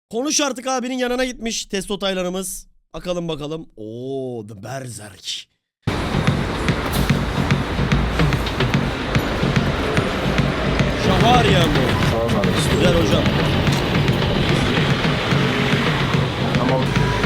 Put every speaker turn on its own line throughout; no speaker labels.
Konuş artık abinin yanına gitmiş testo taylarımız. Bakalım bakalım. Oo, The Berserk. Şahar ya bu.
Tamam abi.
Güzel hocam.
Tamam.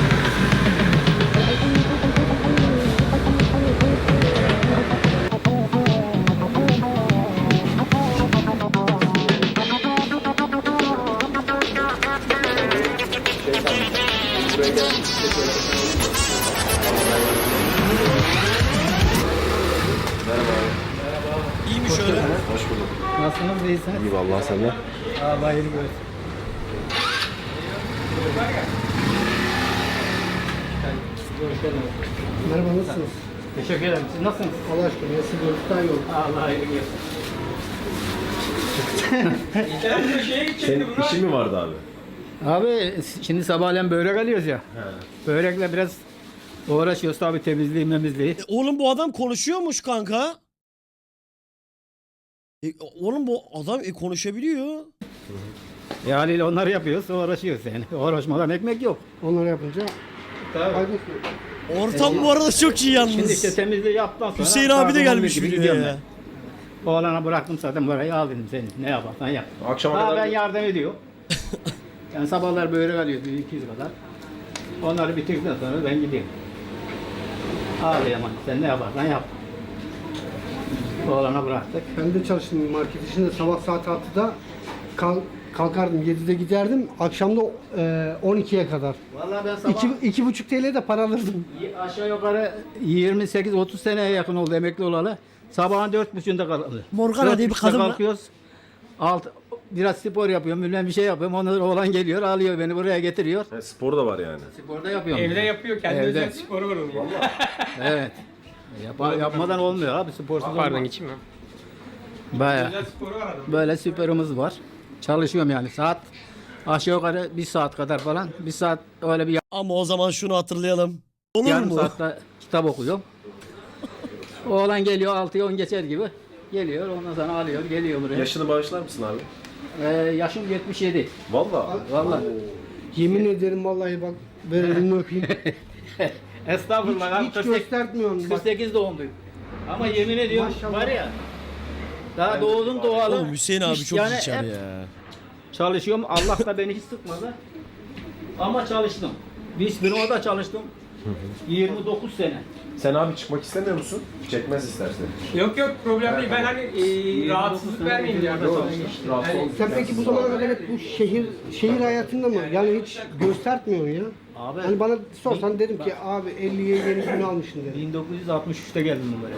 Merhaba abi.
İyi mi şöyle?
Hoş bulduk.
Nasılsınız, iyisiniz?
İyi vallahi sen de.
Allah iyilik versin.
Merhaba, nasılsınız?
Teşekkür ederim. Siz nasılsınız?
Allah aşkına, nasıl görüşten yok.
Allah iyilik versin.
Senin işin mi vardı abi?
Abi şimdi sabahleyin börek alıyoruz ya. Börekle biraz uğraşıyoruz tabii, temizliği memizliği.
Oğlum bu adam konuşuyormuş kanka. Oğlum bu adam konuşabiliyor.
Haliyle onları yapıyoruz, uğraşıyoruz yani. Uğraşmadan ekmek yok.
Onları yapınca
Tabii.
faydası yok.
Ortam bu arada çok iyi yalnız.
Şimdi işte temizliği yaptıktan sonra...
Hüseyin abi de
saat 11
gelmiş
gibi
videoya
gidiyorum
ya.
ben. Oğlana bıraktım zaten burayı, al dedim seni. Ne yaparsan yap.
Akşama
Daha
kadar
ben yardım ediyorum. Yani sabahlar börek alıyoruz 200 kadar. Onları bitirdikten sonra ben gideyim. Ağlayamam, sen ne yaparsan yap. Oğlana bıraktık.
Ben de çalıştım market işinde, sabah saat 6'da kalkardım, 7'de giderdim, akşamda 12'ye kadar.
Vallahi ben sabah
2,5 TL de para alırdım.
aşağı yukarı 28-30 seneye yakın oldu emekli olalı. Sabahın 4.30'da kaldı.
Morgana diye bir kadın var.
kalkıyoruz. Biraz spor yapıyorum, bilmem bir şey yapıyorum. Ondan sonra oğlan geliyor, alıyor beni buraya getiriyor.
spor da var yani.
Sporda yapıyorum.
Evde yapıyor, kendi
Evde.
özel sporu var onun. Valla.
Evet. Yapmadan olmuyor abi, sporsuz
Pardon,
olmaz.
içeyim mi?
Bayağı.
Özel sporu var adam.
Böyle süperimiz var. Çalışıyorum yani saat aşağı yukarı 1 saat kadar falan. 1 saat öyle bir
Ama o zaman şunu hatırlayalım. Olur
yarım
mu?
saatte kitap okuyorum. Oğlan geliyor 6'ya 10 geçer gibi. Geliyor, ondan sonra alıyor, geliyor buraya.
Yaşını bağışlar mısın abi?
Yaşım 77.
Vallahi.
Vallahi.
Yemin ederim vallahi, bak ver elini öpeyim.
Estağfurullah.
Hiç göstermiyorum bak.
48 doğumluyum. Ama yemin ediyorum
Maşallah.
var ya. Daha doğdum doğalı.
Oğlum Hüseyin abi
hiç
çok
yani
içer
hep
ya.
çalışıyorum. Allah da beni hiç sıkmadı. Ama çalıştım. Bir firmada da çalıştım. 29 sene.
Sen abi çıkmak istemiyor musun? Çekmez istersen.
Yok yok, problem değil. Ben hani rahatsızlık vermeyeyim diye.
Yok, rahatsız olma.
Sen peki bu zamana kadar hep bu şehir hayatında mı? Yani hiç göstermiyorsun ya.
Abi
Hani bana sorsan dedim ki abi 50'ye yeni gün almışsın dedim.
1963'te geldim buraya.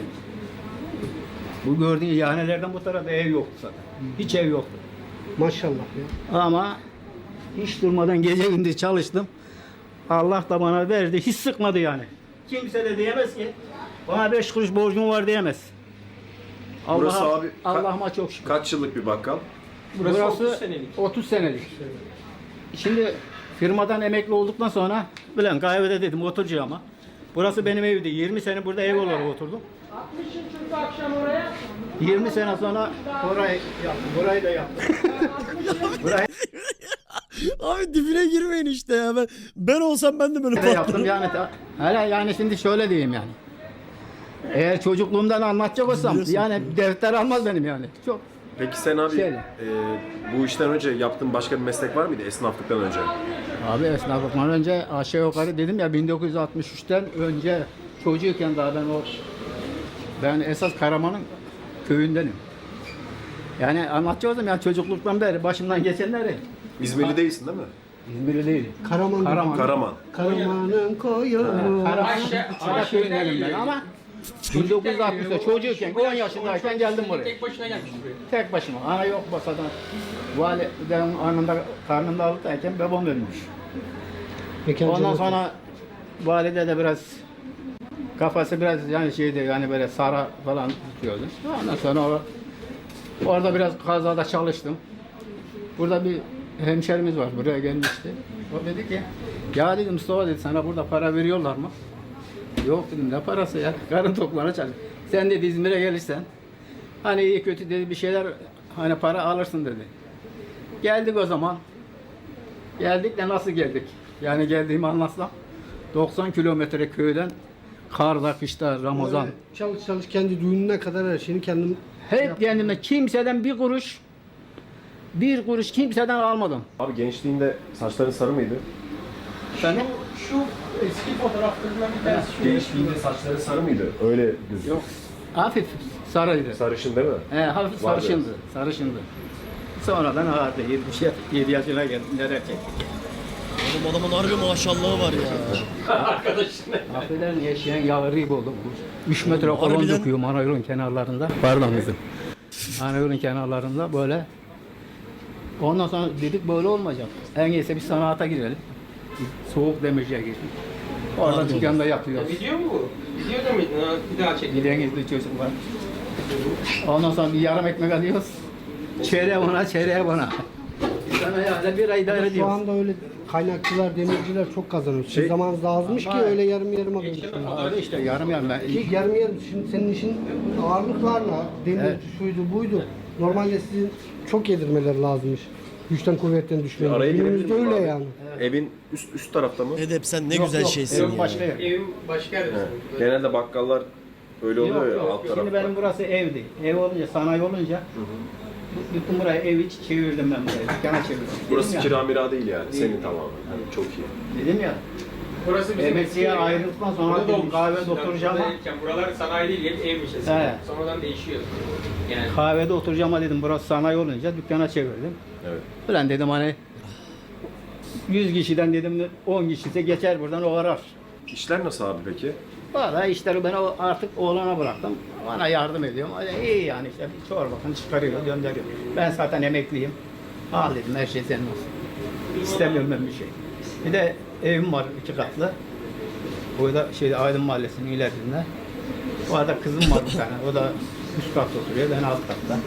Bu gördüğün ihanelerden bu tarafta ev yoktu zaten. Hiç ev yoktu.
Maşallah ya.
Ama hiç durmadan gece gündüz çalıştım. Allah da bana verdi. Hiç sıkmadı yani. Kimse de diyemez ki bana 5 kuruş borcum var diyemez.
Burası abi
Allah'ıma çok şükür.
kaç yıllık bir bakkal?
Burası 30 senelik.
30 senelik. Şimdi firmadan emekli olduktan sonra bilen kahvede dedim oturacağım ama. Burası benim evdi. 20 sene burada ev olarak oturdum. 20 sene sonra orayı yaptım. Burayı da yaptım. Burayı
Abi dibine girmeyin işte ya. Ben olsam ben de böyle
da yaptım
patlarım.
yani. Hele yani şimdi şöyle diyeyim yani. Eğer çocukluğumdan anlatacak olsam
Biliyorsun.
yani defter almaz benim yani. Çok
Peki sen abi
Şöyle.
bu işten önce yaptığın başka bir meslek var mıydı esnaflıktan önce?
Abi esnaflıktan önce aşağı yukarı dedim ya 1963'ten önce çocuğuyken daha ben esas Karaman'ın köyündenim. Yani anlatacaksam yani çocukluktan beri başımdan geçenleri.
İzmirli değilsin değil mi?
İzmirli değil.
Karaman.
Karaman.
Karaman'ın koyu.
Karaman köyündenim ben ama 1960'da çocuğuyken 10 yaşındayken geldim buraya.
Tek başına gelmiş buraya.
Tek başıma. Ana yok basadan. Validem karnında alıktayken babam ölmüş.
Mekan
Ondan
cennet.
sonra valide de biraz kafası biraz yani şeydi yani böyle sara falan tutuyordu. Ondan sonra orada biraz kazada çalıştım. Burada bir hemşerimiz var buraya gelmişti. O dedi ki ya dedim Mustafa dedi sana burada para veriyorlar mı? Yok dedim ne parası ya karın tokluğuna çalış. Sen dedi İzmir'e gelirsen hani iyi kötü dedi bir şeyler hani para alırsın dedi. Geldik o zaman. Geldik de nasıl geldik? Yani geldiğimi anlatsam 90 kilometre köyden karda, kışta, Ramazan.
Öyle çalış kendi düğününe kadar her şeyini kendim
Hep kendime kimseden bir kuruş kimseden almadım.
Abi gençliğinde saçların sarı mıydı?
Efendim?
Şu eski fotoğraflarından bir tanesi şu.
Gençliğinde saçları sarı mıydı? Öyle gözüküyor.
Yok. Hafif sarıydı.
Sarışın değil mi?
Hafif
Vardı.
sarışındı. Sonradan ağırdı. 7 yaşına geldim. Neler çekti.
Oğlum adamın harbi maşallahı var ya.
Affedersin yaşayan yağrı buldum. 3 metre kolon
Harbiden-
döküyorum ana yolun kenarlarında. Pardon kızım. Ana yolun kenarlarında böyle. Ondan sonra dedik böyle olmayacak. En iyisi bir sanata girelim. Soğuk demirciye girdik. Orada
Anladım.
dükkanda yapıyoruz.
Video mu bu? Videoda mıydın? Ha, bir daha çek.
Giden gizli çocuk var. Ondan sonra bir yarım ekmek alıyoruz. Çeyreğe bana, çeyreğe bana. Sana yani bir ay idare
Şu
ediyoruz.
anda öyle kaynakçılar, demirciler çok kazanıyor. Şimdi
Şey-
zamanınız azmış ki
Ama-
öyle yarım yarım alıyorsun.
Öyle işte yarım yarım. Ben
Ki yarım yarım şimdi senin işin ağırlıklarla, demir
Evet.
şuydu buydu. Normalde sizin çok yedirmeleri lazımmış. Güçten kuvvetten düşmeyin.
Araya
Günümüzde
girebilir miyim
öyle
abi?
yani.
Evin üst tarafta mı?
Edep sen ne
Yok,
güzel
yok,
şeysin
evin
ya.
başka yer.
Evim başka yerde.
Genelde bakkallar öyle oluyor ya alt
Şimdi
tarafta.
benim burası evdi. Ev olunca, sanayi olunca bütün burayı ev hiç çevirdim ben burayı. Dükkana çevirdim.
Burası
Dedim
kira mira değil yani.
Değil.
Senin tamamen. Yani çok iyi.
Dedim ya,
Burası bizim
emekliye
eski ev.
ayrıldıktan sonra
Burada
dedim
olmuş.
kahvede
Eskiden
oturacağım.
buradayken buralar sanayi değil, hep evmiş eskiden.
He.
Sonradan değişiyor. Yani
Kahvede oturacağım dedim, burası sanayi olunca dükkana çevirdim.
Evet.
Ulan dedim hani 100 kişiden dedim 10 kişisi geçer buradan o arar.
İşler nasıl abi peki?
Valla işleri ben artık oğlana bıraktım. Bana yardım ediyorum. Öyle iyi yani işte bir çorbasını çıkarıyor, gönderiyor. Ben zaten emekliyim. Al dedim her şey senin olsun. İstemiyorum ben bir şey. Bir de evim var 2 katlı. Burada Aydın Mahallesi'nin ilerisinde. O arada kızım var bir tane. O da üst katta oturuyor, ben alt katta.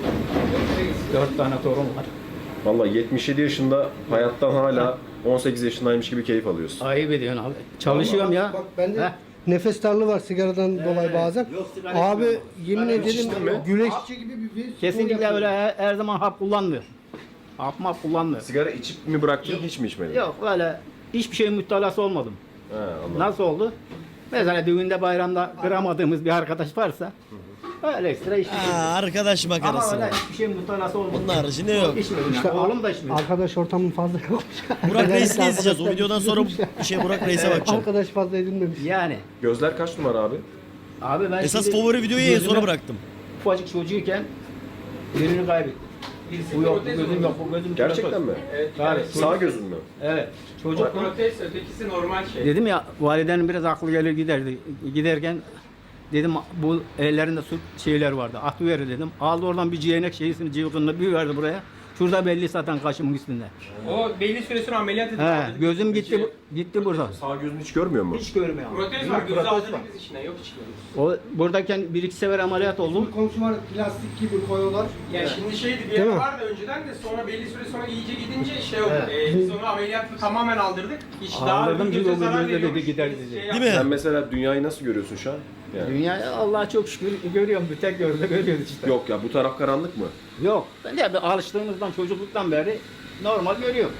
4 tane torun var.
Vallahi 77 yaşında hayattan hala 18 yaşındaymış gibi keyif alıyorsun.
Ayıp ediyorsun abi. Çalışıyorum ya.
Bak bende
Heh.
nefes darlığı var sigaradan dolayı bazen.
yok, sigara
Abi
içmiyorum.
yemin
Sigara
ederim
içtin mi?
güleşçi gibi bir
Kesinlikle öyle her zaman hap kullanmıyor. Hap kullanmıyor.
Sigara içip mi bıraktın hiç mi içmedin?
Yok öyle hiçbir şeyin müptelası olmadım.
He, anladım.
Nasıl oldu? Mesela düğünde bayramda kıramadığımız bir arkadaş varsa öyle ekstra içmiyorum.
Arkadaş
Ama
makarası.
öyle hiçbir şeyin müptelası olmadı.
Bunun haricinde yok.
İçmedim
İşte
yani. Oğlum da içmedi.
Arkadaş ortamın fazla yokmuş.
Burak Reis'le
Genellikle
izleyeceğiz. O
arkadaşlar
videodan sonra Burak Reis'e bakacağım.
Arkadaş fazla edinmemiş.
Yani.
Gözler kaç numara abi?
Abi ben
Esas
şimdi
favori videoyu en
gözüme
sona bıraktım.
Ufacık çocuğuyken birini kaybettim.
birisi
Bu yok, bu
protez
gözüm
olmuş.
yok, bu gözüm
Gerçekten
protez.
mi?
Evet,
Tabii.
Sağ gözün mü?
Evet.
O
Çocuk
protez, ötekisi normal şey.
dedim ya validenin biraz aklı gelir giderdi. Giderken dedim bu ellerinde su şeyler vardı. Atı verir dedim. Aldı oradan bir ciğenek şeysini cıvkınını bir verdi buraya. Şurada belli zaten kaşımın üstünde.
O belli süre sonra ameliyat edildi.
He, gözüm gitti burada.
Sağ gözün hiç görmüyor mu?
Hiç görmüyor.
Protez var, gözü
Protez
aldırdık
var.
biz içine, yok çıkıyoruz.
O buradayken 1-2 sefer ameliyat oldum.
Bir komşu var plastik gibi koyuyorlar.
Ya şimdi şeydi bir
Değil
yer
mi?
vardı önceden de sonra belli süre sonra iyice gidince şey oldu.
Evet.
Biz onu ameliyatla tamamen aldırdık. Hiç
Aldırdım,
bir
çünkü
göze
o
zarar
gözde dedi,
veriyormuş.
gider
Biz
dedi.
şey
Değil mi?
Sen mesela dünyayı nasıl görüyorsun şu an? Yani.
Dünya Allah'a çok şükür görüyorum. Bir tek görüyoruz işte.
Yok ya bu taraf karanlık mı?
Yok. Ben de alıştığımızdan çocukluktan beri normal görüyorum.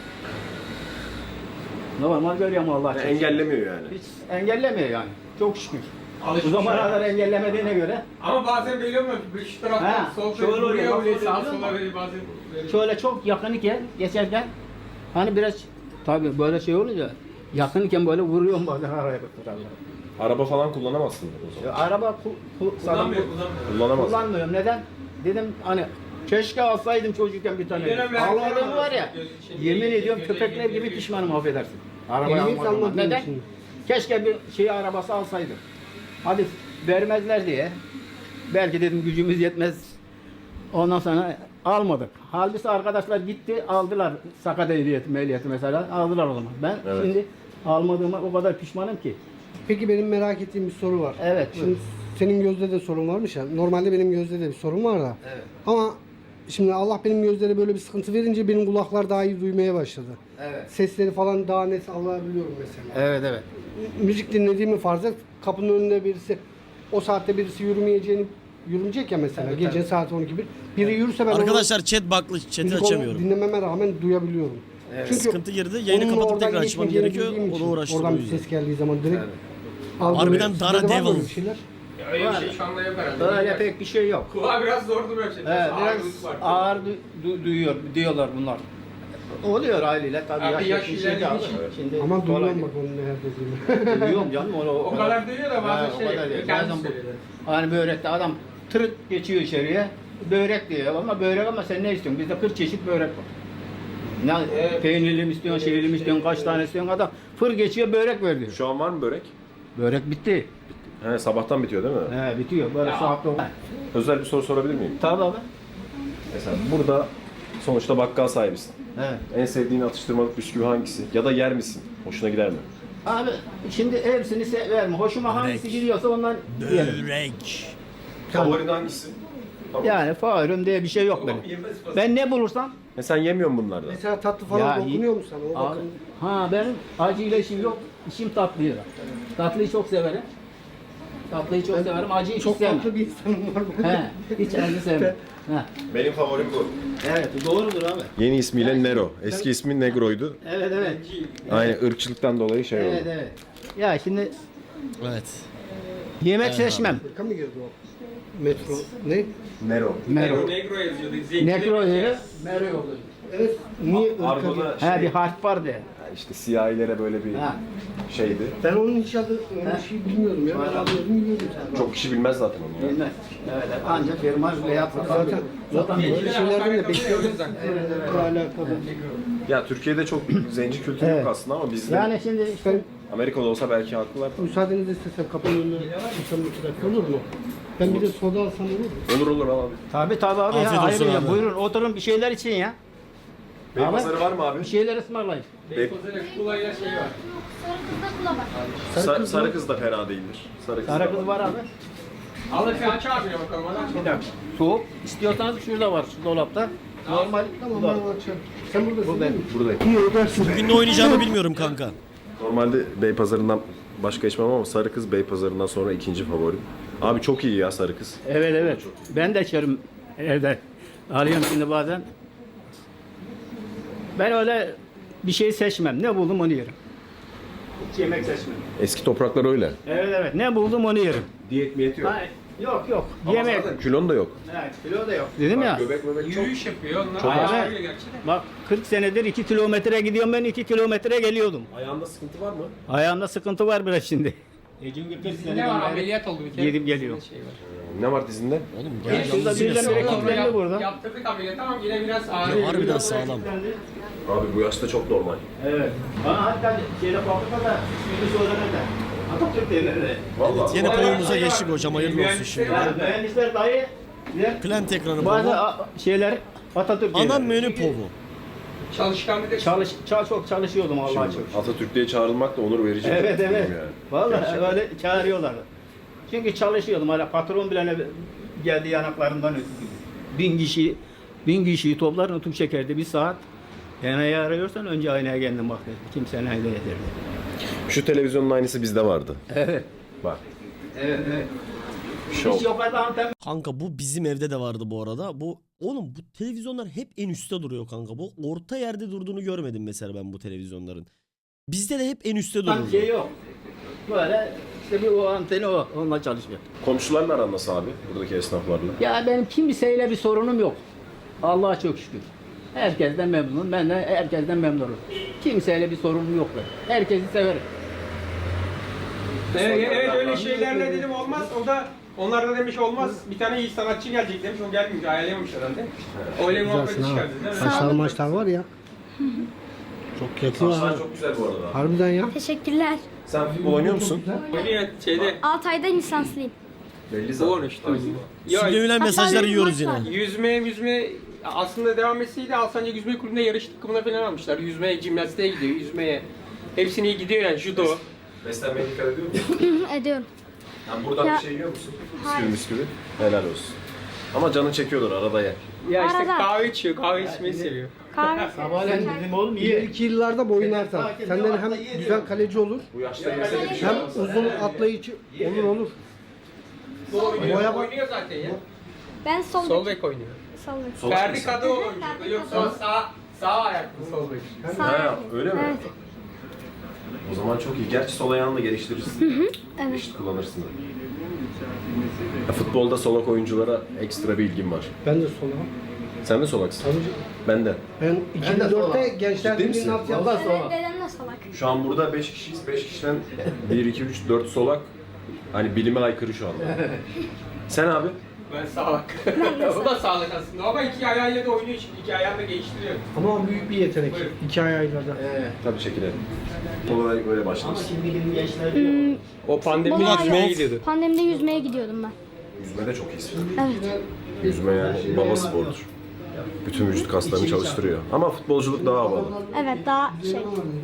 Normal görüyorum Allah'a
Yani
çok şükür.
engellemiyor yani.
Hiç engellemiyor yani. Çok şükür.
Alışmış
Bu zamana
ya.
kadar engellemediğine göre
Ama bazen belli olmuyor. Şu taraftan
Ha,
sol
şöyle
tarafı
oluyor,
buraya
bak,
vuruyor,
sağa
sağa
sola.
sola veriyor bazen. veriyor.
şöyle çok yakın iken geçerken hani biraz tabii böyle şey olunca yakın iken böyle vuruyorum bazen araya tutarlar.
Araba falan kullanamazsın o zaman.
Araba
Kullanmıyor, kullanmıyor.
Kullanamazsın.
kullanmıyorum. Neden? Dedim hani keşke alsaydım çocukken bir tane.
Bir dönem verdiler
Almadığım
ama
var ya.
göz için
Yemin
değil,
ediyorum
göze
köpekler gibi
geliyor.
pişmanım affedersin. Arabayı
Ehliyet
almadığıma.
almadığın
Neden?
için.
Keşke bir şey arabası alsaydım. Hadi vermezler diye. Belki dedim gücümüz yetmez. Ondan sonra almadık. Halbuki arkadaşlar gitti aldılar sakat ehliyeti mesela aldılar o zaman. Ben
Evet.
şimdi almadığıma o kadar pişmanım ki.
Peki benim merak ettiğim bir soru var.
Evet,
Şimdi
buyur.
senin gözde de sorun varmış ya. Normalde benim gözde de bir sorun var da.
Evet.
Ama şimdi Allah benim gözlere böyle bir sıkıntı verince benim kulaklar daha iyi duymaya başladı.
Evet.
Sesleri falan daha net alabiliyorum mesela.
Evet.
Müzik dinlediğimi farz et. Kapının önünde birisi o saatte birisi yürümeyecek ya mesela.
Tabii,
Gece
tabii.
saat 12 bir. Biri yürürse ben
Arkadaşlar chat baklı.
onu,
Chat'i
müzik
açamıyorum.
dinlememe rağmen duyabiliyorum. Çünkü
Sıkıntı girdi. Yayını
onunla
kapatıp
oradan
tekrar açmam
geçmeyeceğini
gerekiyor.
bildiğim
Onu
için
uğraştırıyor.
oradan bir ses geldiği zaman direkt algılıyorum.
Harbiden
Sizde
Dara
de var mı
Devil.
öyle bir şeyler?
Öyle bir şey şu anda yok herhalde.
Öyle pek bir şey yok.
Kulağa biraz zor duruyor şey.
Evet, biraz
Ağırlık var.
ağır duyuyor diyorlar bunlar. Oluyor haliyle tabii.
Abi yaş
yetmiş
ilerlediği
abi.
için.
Şimdi
Ama
kolay
duyuyorum bak onun ne dediğini.
Duyuyorum canım onu
O kadar duyuyor da bazen
o kadar
şey.
değil.
Kendisi
Bazen bu-
söylüyor.
Hani börekte adam tırıt geçiyor içeriye. Börek diyor ama börek ama sen ne istiyorsun? Bizde 40 çeşit börek var. Ne peynirli mi istiyorsun, şeyli mi istiyorsun, kaç tane istiyorsun adam fır geçiyor börek ver diyor.
Şu an var mı börek?
Börek bitti.
He, sabahtan bitiyor değil mi?
He bitiyor böyle saat 9.
Özel bir soru sorabilir miyim?
Tabii abi.
Mesela burada sonuçta bakkal sahibisin.
Evet.
En sevdiğin atıştırmalık bisküvi hangisi? Ya da yer misin? Hoşuna gider mi?
Abi şimdi hepsini verme. Hoşuma hangisi gidiyorsa ondan yerim.
Börek.
Favorin hangisi? Tamam.
Yani favorim diye bir şey yok benim. Ben ne bulursam
Sen yemiyor musun bunlardan?
Mesela tatlı falan
Ya,
dokunuyor mu sana? O
abi,
bakın.
ha benim acıyla işim yok. İşim tatlıyla. Tatlıyı çok severim. Tatlıyı çok severim. Acıyı hiç
Çok
sevmem.
tatlı bir insanım var bu.
He, hiç acı sevmem. He.
Benim favorim bu.
Evet, doğrudur abi.
Yeni ismiyle Nero. Eski ismi Negro'ydu.
Evet, evet.
Aynı ırkçılıktan dolayı şey
Evet,
oldu.
evet. Ya şimdi
Evet.
yemek seçmem.
Amerika mı girdi o? Metro. Ne?
Nero.
Mero.
Negro yazıyordu. Zenciler-
Nekro yeri, Mero yolu.
Evet. Niye ırka
Argo'da
girdi?
He bir harf var de.
işte siyahilere böyle bir
Ha.
şeydi.
Ben onun hiç adı öyle bir şey bilmiyordum ya. Ben adını bilmiyordum sen.
Çok kişi bilmez zaten onu ya.
Bilmez. Evet, ancak firma veya
Zaten böyle şeylerden de bekliyordum.
zaten.
Bununla alakalı.
Ya Türkiye'de çok zenci kültürü
Evet.
yok aslında ama bizde
Yani şimdi işte
Amerika'da olsa belki haklılar.
Müsaadenizi istesem kapının önüne çıksam 2 dakika olur mu? Ben bir de soda alsam olur mu?
Olur olur abi.
tabii abi
Afiyet
ya,
olsun
hayır ya.
abi.
Buyurun oturun bir şeyler için ya.
Beypazarı var mı abi?
Bir şeyler ısmarlayın.
Beykoz'da kulayla şey var.
Sarı kız da fena değildir. Sarı kız,
Sarı
da
kız var abi.
Alın şu aç abi bakalım. Hadi
Bir dakika. Soğuk. İstiyorsanız şurada var şu dolapta. Normal.
Tamam
bu da.
ben açarım. Sen buradasın değil mi?
Buradayım.
İyi ödersin.
Bugün ne oynayacağımı bilmiyorum kanka.
Normalde Beypazarı'ndan başka içmem ama Sarı Kız Beypazarı'ndan sonra ikinci favorim. Abi çok iyi ya Sarı Kız.
Evet evet. Ben de içerim evde. Alıyorum şimdi bazen. Ben öyle bir şey seçmem. Ne buldum onu yerim. Hiç yemek seçmem.
Eski topraklar öyle.
Evet evet. Ne buldum onu yerim.
Diyet miyeti yok.
Hayır. Yok yok.
Ama
Yemek.
zaten kilon da yok.
Evet, kilo da yok. Dedim ya.
Göbek çok.
Yürüyüş yapıyor. Onlar
Çok
ayağa
az.
geliyor gerçekten.
Bak 40 senedir 2 kilometre gidiyorum ben 2 kilometre geliyordum.
Ayağında sıkıntı var mı?
Ayağımda sıkıntı var biraz şimdi. Çünkü 40
Ne var ameliyat oldu bir kere.
Gidip geliyor.
Şey var.
Ne var dizinde?
Oğlum
Şurada
yalnız
birden
yine
bire
sağlam.
kilitlendi burada.
Yaptırdık ameliyat ama yine biraz ağır.
Ya harbiden sağlam.
Abi bu yaşta çok normal.
Evet. Bana hatta şeyde fabrikada ismini söylemedi. Atatürk denirdi.
Vallahi.
Yine konumuza geçtik hocam, hayırlı olsun şimdi.
Mühendisler dahi
Plant ekranı
bazı
povu.
şeyler Atatürk
Ana
denirdi.
menü povu.
Çalışkan bir de
Çok çalışıyordum Allah'a çok.
Atatürk diye çağrılmak da onur verici.
Evet evet.
Yani.
Vallahi öyle çağırıyorlardı. Çünkü çalışıyordum hala patron bile geldi yanaklarından ötürdü. 1000 kişiyi toplar nutuk çekerdi bir saat. Aynayı arıyorsan önce aynaya kendin bak dedi. Kimsenin aynada yeterli.
Şu televizyonun aynısı bizde vardı.
Evet.
Bak.
Evet evet.
Şov.
Hiç yok adam
Kanka bu bizim evde de vardı bu arada. Oğlum bu televizyonlar hep en üstte duruyor kanka. Bu orta yerde durduğunu görmedim mesela ben bu televizyonların. Bizde de hep en üstte dururdu.
şey yok. Böyle işte bir o anteni o. Onunla çalışıyor.
Komşularla aran nasıl abi? Buradaki esnaflarla.
Ya benim kimseyle bir sorunum yok. Allah'a çok şükür. Herkesten memnunum. Ben de herkesten memnunum. Kimseyle bir sorunum yok benim. Herkesi severim.
Evet öyle şeylerle dedim olmaz. O da onlar da demiş olmaz. Bir tane iyi sanatçı gelecek demiş. O gelmiyor. Ayarlayamamış herhalde. Öyle muhabbeti
Güzelsin ha.
çıkardı değil mi?
Saçlar maçlar var ya. Çok yakıyor ha.
Saçlar çok güzel bu arada.
Harbiden ya.
Teşekkürler.
Sen futbol oynuyor musun?
Oynuyor şeyde.
6 ayda lisanslıyım.
Belli zaten.
Doğru işte. Ya,
Sürdürülen mesajları
Hatta
yiyoruz
bir maç
yine.
var.
yüzme aslında devam etseydi Alsancak Yüzme Kulübü'nde yarış takımına falan almışlar. Yüzmeye, jimnastiğe gidiyor, yüzmeye. Hepsini iyi gidiyor yani judo.
Beslenmeye dikkat ediyor musun?
Ediyorum.
Yani buradan
Ya-
bir şey yiyor musun?
Hayır.
Bisküvi. Helal olsun. Ama canın çekiyordur arada ye.
Ya işte
Arada.
kahve içiyor, kahve içmeyi seviyor.
Kahve.
Sabahleyin dedim oğlum iyi.
İleriki yıllarda boyun artar. Senden hem güzel kaleci olur,
Bu yaşta yese de bir şey
hem
olmaz.
uzun atlayıcı olur.
Doğru
Boya bak-
oynuyor zaten ya.
Ben sol
Sol
bek.
bek oynuyor.
Sol bek.
Sol
Ferdi
bek.
Kadıoğlu oynuyor. Yoksa Sağ ayaklı sol bek.
Ha, öyle mi?
Evet.
O zaman çok iyi. Gerçi sol ayağını da geliştirirsin.
Evet.
Eşit kullanırsın. Ya, futbolda solak oyunculara ekstra bir ilgim var.
Ben de sola.
Sen de solaksın.
Tabii.
Ben de.
Ben 2004'te Gençler
Ciddi misin?
Birliği'nin alt
Valla
yapısı.
sonra.
Dedem de salak.
Şu an burada 5 kişiyiz. 5 kişiden 1, 2, 3, 4 solak. Hani bilime aykırı şu anda. Sen abi?
Ben sağlık. O da sağlık aslında. Ama iki ayağıyla da oynuyor şimdi. İki ayağını da geliştiriyor.
Ama büyük bir yetenek.
Buyurun.
2 ayağıyla da.
Tabii çekilelim. Olarak böyle başlarız.
Şimdiki gençler diyor.
O pandemide
Baba
yüzmeye
yok.
gidiyordu.
Pandemide yüzmeye gidiyordum ben.
Yüzme de çok iyisin.
Evet.
Yüzme yani baba sporudur. Bütün vücut kaslarını çalıştırıyor. Ama futbolculuk daha havalı.
Evet daha şey.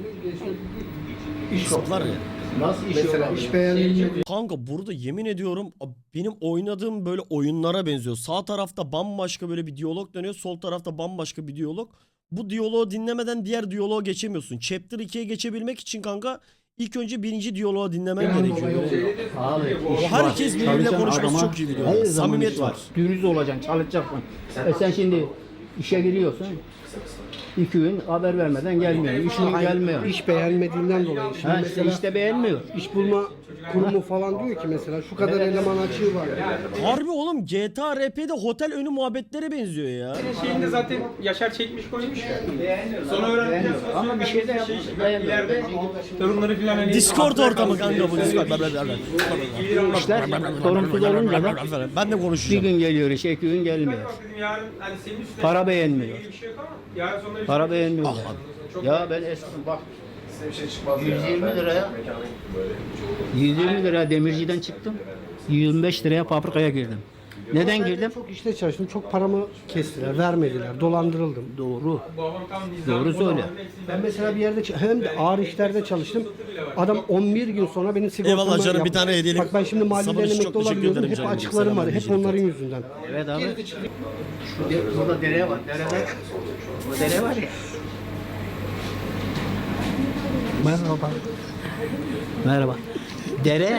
Zıplar ya.
Nasıl iş
Mesela
olabilir?
iş beğenilmedi.
Kanka burada yemin ediyorum benim oynadığım böyle oyunlara benziyor. Sağ tarafta bambaşka böyle bir diyalog dönüyor. Sol tarafta bambaşka bir diyalog. Bu diyaloğu dinlemeden diğer diyaloğa geçemiyorsun. Chapter 2'ye geçebilmek için kanka ilk önce birinci diyaloğu dinlemen gerekiyor.
Abi,
O herkes birbiriyle
çalışan
konuşması
adama
çok iyi biliyor.
her zaman
Samimiyet
iş
var.
Dürüst olacaksın, çalışacaksın. Sen şimdi işe giriyorsun. 2 gün haber vermeden gelmiyor. 3 gün gelmiyor.
İş beğenmediğinden dolayı. Şimdi
Ha işte,
mesela
işte beğenmiyor.
iş bulma kurumu falan diyor ki mesela şu kadar eleman açığı var.
Harbi oğlum GTA RP'de otel önü muhabbetlere benziyor ya.
Şeyinde zaten Yaşar çekmiş koymuş ya. Sonra öğrendikten sonra
Ama bir şey de yapmış.
ileride torunları filan hani...
Discord ortamı kanka bu Discord.
İşler sorumsuz olunca da
Ben de
bir
konuşacağım.
gün geliyor işe, 2 gün gelmiyor.
Bak dedim yarın hani senin üstüne...
Para beğenmiyor.
Bir şey yok ama yarın sonra... bir
Para
şey-
beğenmiyor.
Ah,
Ya ben eski bak
Size bir şey çıkmaz
120
Ben
liraya.
mekanın böyle
120 liraya demirciden çıktım. 25 liraya fabrikaya girdim. Neden girdim?
Çok işte çalıştım. Çok paramı kestiler, vermediler. Dolandırıldım.
Doğru.
Babam tam nizam.
Doğru söyle.
Ben mesela bir yerde hem de ağır işlerde çalıştım. Adam 11 gün sonra benim sigortamı
Eyvallah canım, bir
yaptı.
tane hediyelik
Bak ben şimdi
sabun
mahalleden
için çok
emekli
teşekkür
olabiliyordum.
ederim
Hep
canım.
açıklarım
Selam
var. Hep
vereceğim.
onların yüzünden.
Evet abi. Burada dere var. Derede. O dere var ya. Merhaba. Merhaba. Dere.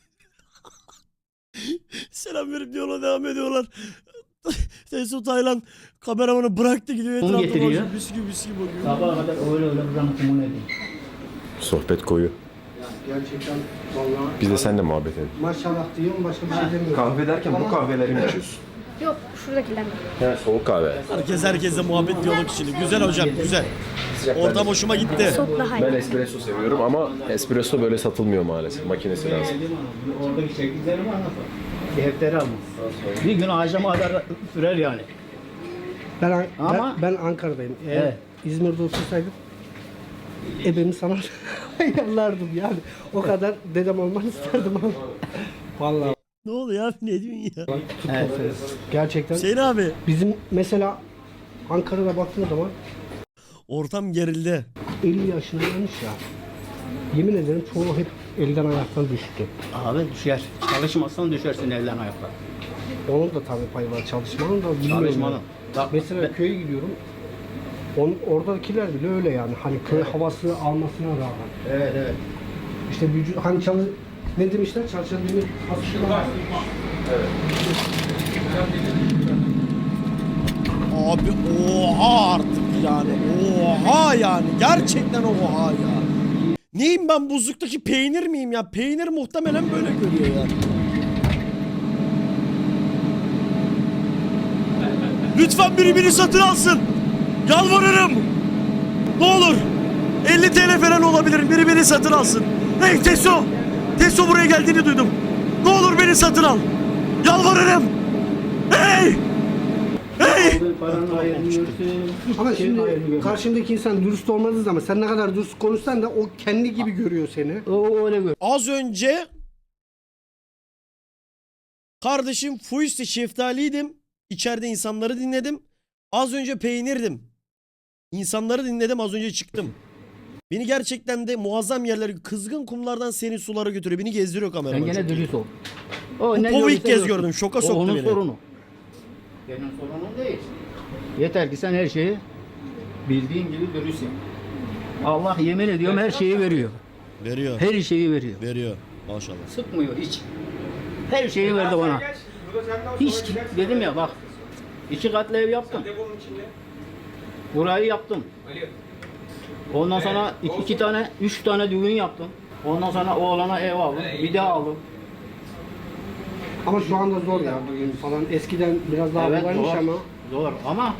Selam verip diyorlar, devam ediyorlar. Teso Taylan kameramanı bıraktı gidiyor etrafta
getiriyor?
bakıyor. Bisküvi bakıyor.
Sabaha kadar öyle buranın kumunu edin.
sohbet koyu.
Gerçekten vallahi
Biz de seninle muhabbet edelim.
maşallah diyorum başka bir şey demiyorum.
Kahve derken bu kahveleri mi içiyorsun?
Yok şuradakiler.
He, soğuk kahve.
Herkes herkesle muhabbet diyalog içinde. Güzel hocam güzel. Ortam hoşuma gitti.
Soğuk daha iyi.
Ben espresso seviyorum ama espresso böyle satılmıyor maalesef. Makinesi lazım.
Oradaki çektiklerimi anlatın. Defteri almış. Bir gün akşama kadar sürer yani.
Ben, ben Ankara'dayım. Eğer
Evet.
İzmir'de otursaydım ebemi sana ayarlardım yani. O kadar dedem olmanı isterdim ama. Vallahi
Ne oluyor abi, ne diyorsun ya?
Evet.
gerçekten
Hüseyin abi
bizim mesela Ankara'da baktığın zaman
ortam gerildi.
50 yaşına gelmiş ya. Yemin ederim çoğu hep elden ayaktan düştü.
Abi düşer. Çalışmazsan düşersin elden ayakta.
Onun da tabii payı var çalışmanın da bilmiyorum.
Çalışmanın.
yani.
Bak
Mesela köye gidiyorum. Oradakiler bile öyle yani. Hani köy havası almasına rağmen.
Evet evet.
İşte vücut hani ne demişler? Çalışan demir hafifler.
Abi oha artık yani. Oha yani. Gerçekten oha ya. Neyim ben, buzluktaki peynir miyim ya? Peynir muhtemelen böyle görüyor ya. Lütfen biri beni satın alsın. Yalvarırım. Ne olur. 50 TL falan olabilir. Biri beni satın alsın. Hey Teso. Teso buraya geldiğini duydum. Ne olur beni satın al. Yalvarırım. Hey. Hey.
Paranın ayarını görürsün.
Ama
şeyin ayarını
şimdi
görürsün.
karşındaki insan dürüst olmadığı zaman sen ne kadar dürüst konuşsan da o kendi gibi görüyor seni.
O öyle gör.
Az önce kardeşim Fuiste şeftaliydim. İçeride insanları dinledim. Az önce peynirdim. İnsanları dinledim, az önce çıktım. Beni gerçekten de muazzam yerler, kızgın kumlardan serin sulara götürüyor. Beni gezdiriyor
Sen
kameraman.
gene dürüst ol. O
Bu
ne
povu ilk
görürse
kez
görsün.
gördüm. Şoka
O
soktu
onun
beni.
sorunu. Benim sorunum değil. Yeter ki sen her şeyi bildiğin gibi dürüst yap. Allah yemin ediyorum her şeyi veriyor.
Veriyor.
Her şeyi veriyor.
Veriyor. Maşallah.
Sıkmıyor hiç. Her şeyi verdi bana. Hiç dedim ya bak. 2 katlı ev yaptım.
Deponun içinde.
Burayı yaptım.
Ali.
Ondan sonra iki tane, 3 tane düğün yaptım. Ondan sonra oğlana ev aldım. Bir daha aldım.
Ama şu anda zor ya bugün falan. Eskiden biraz daha kolaymış
zor.
ama.
Zor ama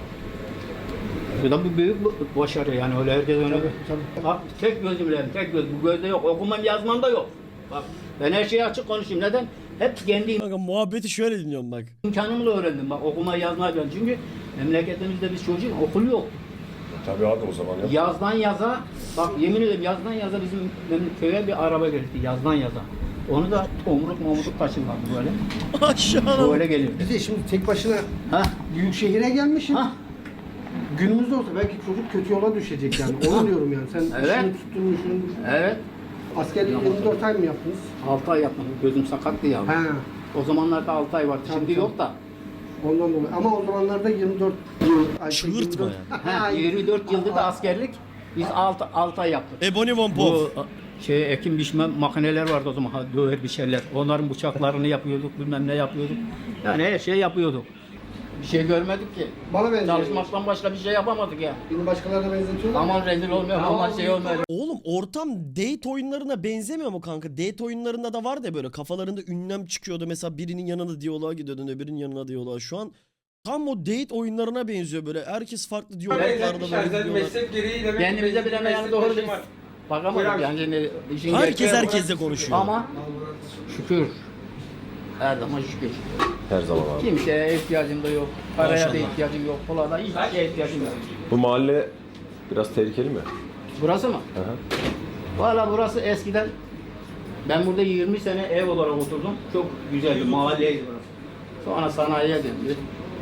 bu da bir büyük başarı yani öyle herkes öyle. Bak tek gözümle, tek göz. Bu gözde yok. Okumam yazmam da yok. Bak ben her şeyi açık konuşayım. Neden? Hep kendi
Kanka muhabbeti şöyle dinliyorum bak.
imkanımla öğrendim. Bak okuma yazmayı ben. Çünkü memleketimizde biz çocuğun okul yok.
Tabii abi o zaman ya.
Yazdan yaza, bak yemin ederim yazdan yaza bizim köye bir araba geldi. Yazdan yaza. Onu da tomruk taşırlardı böyle.
Aşağı.
Böyle geliyor.
Bir de şimdi tek başına
Ha?
büyük şehire gelmişsin.
Ha?
Günümüzde olsa belki çocuk kötü yola düşecek yani. Onu diyorum yani. Sen
Evet.
işini tuttun, işini
Evet.
askerliği 24 ay mı yaptınız?
6 ay yapmadım. Gözüm sakattı ya.
He.
O zamanlarda 6 ay vardı.
Tabii,
Şimdi
tabii.
yok da.
Ondan dolayı. Ama o zamanlarda 24 yıl. ay, şey,
Çığırtma
24
Ha, 24 yıldır da askerlik. Biz 6 ay yaptık.
Ebony Von Pop.
Bu ekim biçme makineler vardı o zaman. Döver biçerler. Onların bıçaklarını yapıyorduk. Bilmem ne yapıyorduk. Yani her şey yapıyorduk. Bir şey görmedik ki.
Bana benziyor.
Çalışmaktan başka bir şey yapamadık ya.
Beni başkalarına benzetiyorlar.
Aman rezil olmuyor, aman şey olmuyor.
Oğlum ortam date oyunlarına benzemiyor mu kanka? Date oyunlarında da vardı ya böyle kafalarında ünlem çıkıyordu. Mesela birinin yanına diyaloğa gidiyordun, öbürünün yanına diyaloğa. Şu an tam o date oyunlarına benziyor böyle. Herkes farklı diyaloglarda
Benzetmişler
böyle
zaten
gidiyorlar.
meslek gereği demek.
Kendimize bir hemen yani doğru
meslek
biz
var.
bakamadık
Buyur
yani. Şimdi işin
Herkes
gerçeği
herkesle konuşuyor.
ama şükür. Her zaman şükür.
Her zaman abi.
Kimseye ihtiyacım da yok. Paraya da
Maşallah.
ihtiyacım yok. Pula da hiçbir şeye ihtiyacım yok.
Bu mahalle biraz tehlikeli mi?
Burası mı?
Hı hı.
Valla burası eskiden ben burada 20 sene ev olarak oturdum. Çok güzeldi, mahalleydi burası. Sonra sanayiye döndü.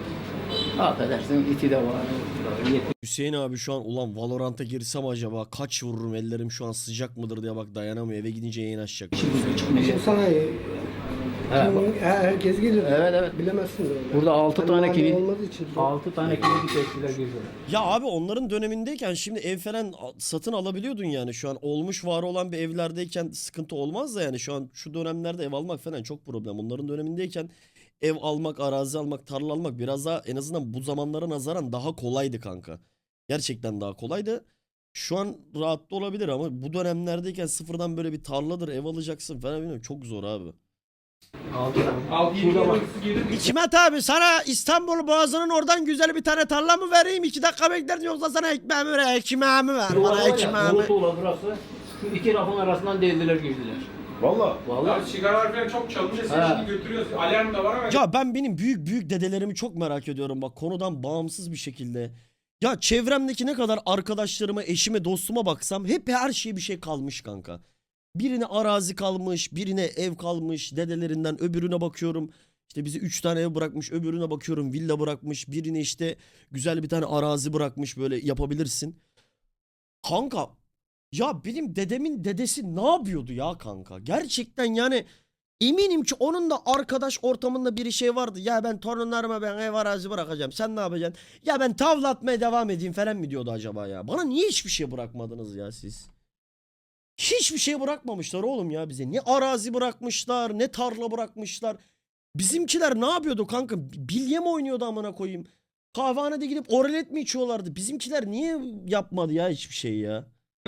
Affedersin iti de var.
Hüseyin abi şu an ulan Valorant'a girsem acaba kaç vururum, ellerim şu an sıcak mıdır diye bak dayanamıyor. Eve gidince yayın açacak.
Şimdi sanayi.
He, bak.
Herkes gelir.
Evet, evet.
Bilemezsin de öyle.
Burada 6
Hani
tane
mahalle
kilit,
olmadığı için zor.
6 tane kilit tepkiler geliyor.
Ya abi onların dönemindeyken şimdi ev falan satın alabiliyordun yani. Şu an olmuş var olan bir evlerdeyken sıkıntı olmaz da yani şu an şu dönemlerde ev almak falan çok problem. Onların dönemindeyken ev almak, arazi almak, tarla almak biraz daha en azından bu zamanlara nazaran daha kolaydı kanka. Gerçekten daha kolaydı. Şu an rahat da olabilir ama bu dönemlerdeyken sıfırdan böyle bir tarladır, ev alacaksın falan bilmiyorum çok zor abi.
6-7 yıl girdi.
Hikmet abi sana İstanbul Boğazı'nın oradan güzel bir tane tarla mı vereyim? 2 dakika beklersin yoksa sana ekmeğimi ver, ekmeğimi ver. Bana ekmeğimi.
Tuğla burası. Şu iki rafın arasından deldiler girdiler.
Valla.
Vallahi.
Ya sigaralar falan çok çalınca sen
Ha.
şimdi götürüyorsun. Alarm da var ama.
Ya ben benim büyük dedelerimi çok merak ediyorum bak konudan bağımsız bir şekilde. Ya çevremdeki ne kadar arkadaşlarıma, eşime, dostuma baksam hep her şeye bir şey kalmış kanka. Birine arazi kalmış, birine ev kalmış, dedelerinden öbürüne bakıyorum. İşte bize 3 tane ev bırakmış, öbürüne bakıyorum villa bırakmış, birine işte güzel bir tane arazi bırakmış böyle yapabilirsin. Kanka ya benim dedemin dedesi ne yapıyordu ya kanka? Gerçekten yani eminim ki onun da arkadaş ortamında bir şey vardı. Ya ben torunlarıma ben ev arazi bırakacağım. Sen ne yapacaksın? Ya ben tavla atmaya devam edeyim falan mı diyordu acaba ya? Bana niye hiçbir şey bırakmadınız ya siz? Hiçbir şey bırakmamışlar oğlum ya bize. Ne arazi bırakmışlar, ne tarla bırakmışlar. Bizimkiler ne yapıyordu kanka? Bilye mi oynuyordu amına koyayım? Kahvehanede gidip oralet mi içiyorlardı? Bizimkiler niye yapmadı ya hiçbir şey ya?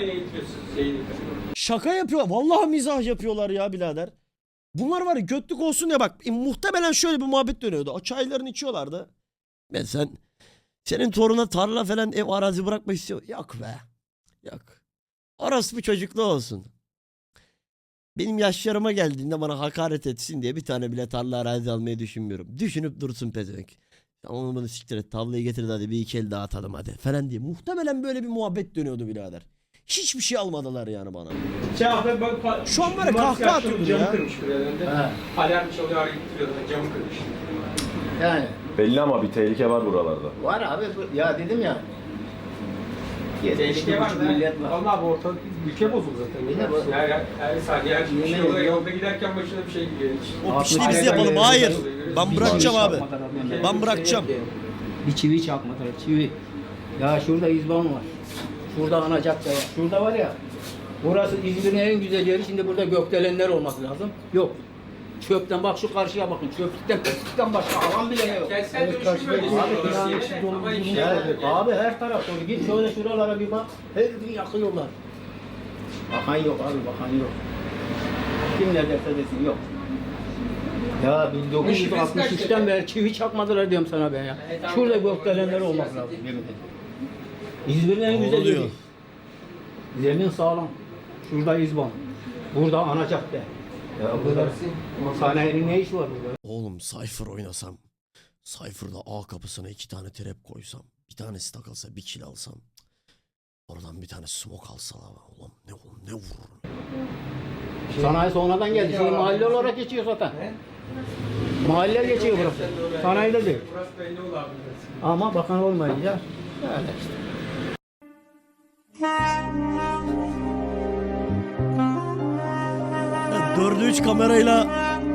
Şaka yapıyor. Vallahi mizah yapıyorlar ya birader. Bunlar var ya götlük olsun ya bak. Muhtemelen şöyle bir muhabbet dönüyordu. O çaylarını içiyorlardı. Ben senin toruna tarla falan ev arazi bırakmak istiyor. Yok be. Yok. Orası bir çocuklu olsun. Benim yaşlarıma geldiğinde bana hakaret etsin diye bir tane bile tarla arazi almayı düşünmüyorum. Düşünüp dursun pezevenk. Tamam bunu siktir et tavlayı getir hadi bir iki el dağıtalım hadi falan diye. Muhtemelen böyle bir muhabbet dönüyordu birader. Hiçbir şey almadılar yani bana. Şu an var ya kahkaha atıyordur ya.
Camı kırmış bir yerinde.
Ha.
Alarm çalıyor arayıp duruyordu. Camı kırmış.
Yani
Belli ama bir tehlike var buralarda.
var abi ya dedim ya.
Tehlike var da.
Millet var.
Vallahi bu ortalık ülke bozuldu zaten.
Bir de bu-
Her saniye her
Yemin
şey
ediyorum.
yolda giderken başına bir şey geliyor.
O pişliği biz
Aynen
yapalım.
öyle.
Hayır. Ben
Bir
bırakacağım
çivi
abi.
çakmadılar benden.
Ben bırakacağım.
Bir çivi çakmadılar, çivi. Ya şurada İzban var. Şurada ana cadde var. Şurada var ya. Burası İzmir'in en güzel yeri. Şimdi burada gökdelenler olması lazım. Yok. Çöpten bak şu karşıya bakın. Çöplükten başka alan bile yok.
Kentsel dönüşüm bölgesi diyorlar ama inşaat
Evet, abi her taraf dolu. Git şöyle şuralara bir bak. Her gün yakıyorlar. Bakan yok abi, bakan yok. Kim ne derse desin yok. Ya 1963'ten beri çivi çakmadılar diyorum sana ben ya. Şurada gökdelenler olmak lazım yemin ederim. İzmir'in en güzel
oluyor?
yeri. Zemin sağlam. Şurada İzban. Burada ana cadde. Ya burada sanayinin ne işi var burada?
Oğlum Cypher oynasam. Cypher'da A kapısına 2 tane trap koysam. Bir tanesi takılsa 1 kill alsam. Oradan bir tane smoke alsalar. Oğlum ne vururum.
Sanayi sonradan geldi. Şimdi mahalle olarak geçiyor zaten. Mahalle geçiyor burası. Sanayide değil.
Burası belli oldu abi.
Ama bakan olmayınca öyle işte.
Yani 4'ü 3 kamerayla